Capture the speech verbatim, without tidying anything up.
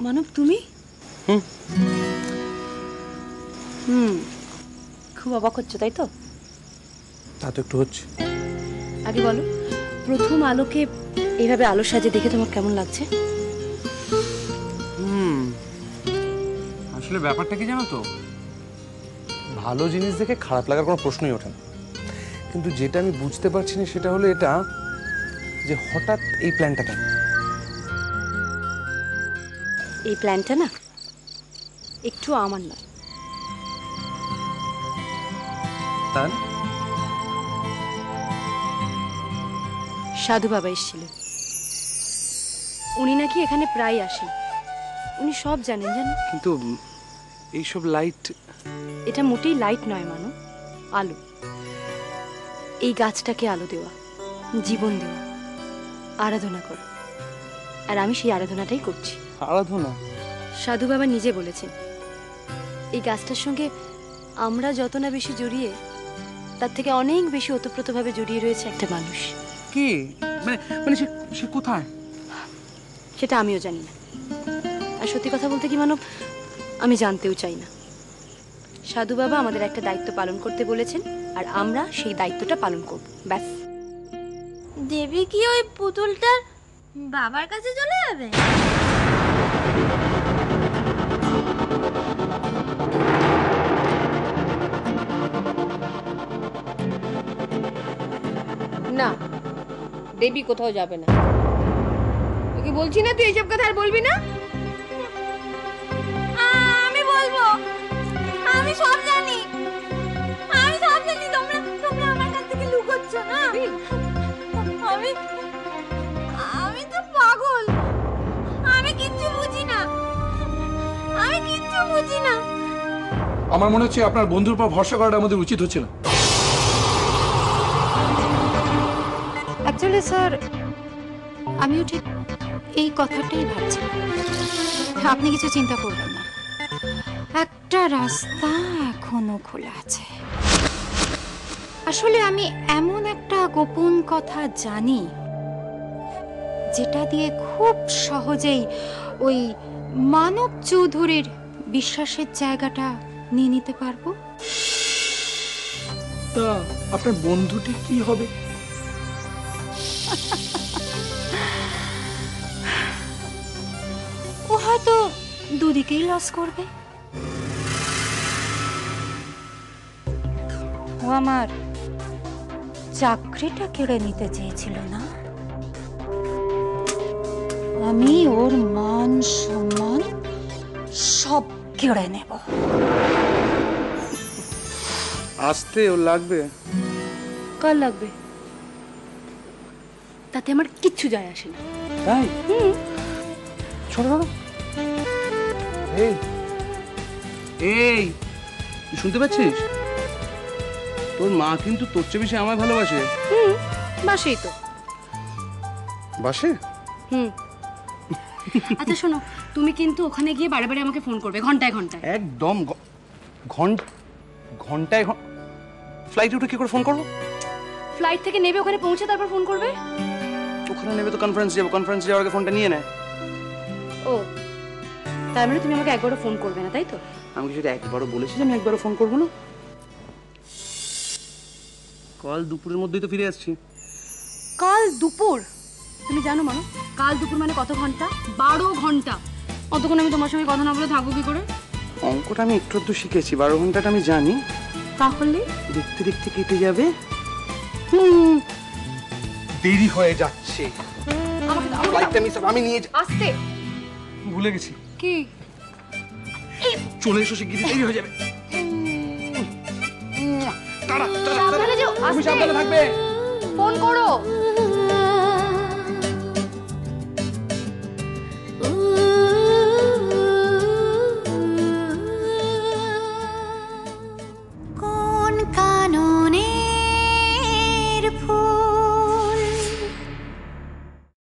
মানব তুমি? হুম হুম খুব অবাক হচ্ছে তাই তো? তা তো একটু হচ্ছে। আগে বলো, প্রথম আলোকে এইভাবে আলো সাজে দেখে তোমার কেমন লাগছে? হুম আসলে ব্যাপারটা কি জানো তো, ভালো জিনিস দেখে খারাপ লাগার কোনো প্রশ্নই ওঠে না, কিন্তু যেটা আমি বুঝতে পারছি না সেটা হলো এটা যে হঠাৎ এই প্ল্যানটা কেন। এই প্ল্যানটা না একটু আমার নয়। তার সাধু বাবা এসেছিলেন, উনি নাকি এখানে প্রায় আসেন, উনি সব জানেন জানো। কিন্তু এইসব লাইট, এটা মোটেই লাইট নয় মানো, আলো। এই গাছটাকে আলো দেওয়া, জীবন দেওয়া, আরাধনা করা, আর আমি সেই আরাধনাটাই করছি। আরাধনা? সাধু বাবা নিজে বলেছেন এই গাছটার সঙ্গে আমরা যত না বেশি জড়িয়ে, তার থেকে অনেক বেশি ওতপ্রোতভাবে জড়িয়ে রয়েছে একটা মানুষ। কি মানে মানে সে সে কোথায়? সেটা আমিও জানি না, আর সত্যি কথা বলতে কি মানব, আমি জানতেও চাই না। সাধু বাবা আমাদের একটা দায়িত্ব পালন করতে বলেছেন, আর আমরা সেই দায়িত্বটা পালন করব, ব্যাস। দেবী কি ওই পুতুলটার বাবার কাছে চলে যাবে? না, দেবী কোথাও যাবে না। তোকে বলছি না তুই এইসব কথা আর বলবি না। আমি বলবো, আমি সব জানি, আমি সব জানি। তোমরা তোমরা আমার কাছ থেকে লুকোচ্ছ না। আমি আমি তো পাগল, আমি কিচ্ছু বুঝি না, আমি কিচ্ছু বুঝি না। আমার মনে হচ্ছে আপনার বন্ধুর উপর ভরসা করাটা আমাদের উচিত হচ্ছে না। অ্যাকচুয়ালি স্যার, আমিও ঠিক এই কথাটাই ভাবছি। আপনি কিছু চিন্তা করবেন না, একটা রাস্তা এখনো খোলা আছে। আসলে আমি এমন একটা গোপন কথা জানি যেটা দিয়ে খুব সহজেই ওই মানব চৌধুরীর বিশ্বাসের জায়গাটা নিয়ে নিতে পারবো। তা আপনার বন্ধুটি কি হবে? ও হয়তো দুদিকেই লস করবে। ও আমার চাকরিটা কেড়ে নিতে চেয়েছিল না, আমি ওর মান সম্মান সব কেড়ে নেব। আসতে ওর লাগবে? কার লাগবে তাতে আমার কিচ্ছু যায় আসে না। তাই? ছোট ছোট এই এই তুই শুনতে পাচ্ছিস? তোর মা কিন্তু তোর চেয়ে বেশি আমায় ভালোবাসে। হুম বাসেই তো। বাসে? হুম। আচ্ছা শোনো, তুমি কিন্তু ওখানে গিয়ে বারে বারে আমাকে ফোন করবে, ঘন্টায় ঘন্টায়। একদম ঘন্টা ঘন্টায় ফ্লাইটে উঠে কি করে ফোন করবো? ফ্লাইট থেকে নেবে, ওখানে পৌঁছে তারপর ফোন করবে। ওখানে নেবে তো কনফারেন্স যাবো, কনফারেন্স যাওয়ার আগে ফোনটা নিয়ে নেয়। ও তার মানে তুমি আমাকে একবারও ফোন করবে না তাই তো? আমি কি সেটা একবারও বলেছি যে আমি একবারও ফোন করবো না? কাল দুপুরের মধ্যেই তো ফিরে আসছি। কাল দুপুর? তুমি জানো মানো কাল দুপুর মানে কত ঘন্টা? বারো ঘন্টা। অতক্ষণ আমি তোমার সঙ্গে কথা না বলে থাকবো কি করে? অঙ্কটা আমি একটু একটু শিখেছি, বারো ঘন্টাটা আমি জানি। তাহলে দেখতে দেখতে কেটে যাবে। হুম দেরি হয়ে যাচ্ছে। আমাকে দাও, আমাকে ফ্লাইটটা দাও। মিস আমি নিয়ে যা- আসতে ভুলে গেছি। কি? চলে এসো, শিগগিরই দেরি হয়ে যাবে। Tata, tata, tata. সাবধানে যেও, তুমি আসতে। সাবধানে থাকবে। ফোন করো।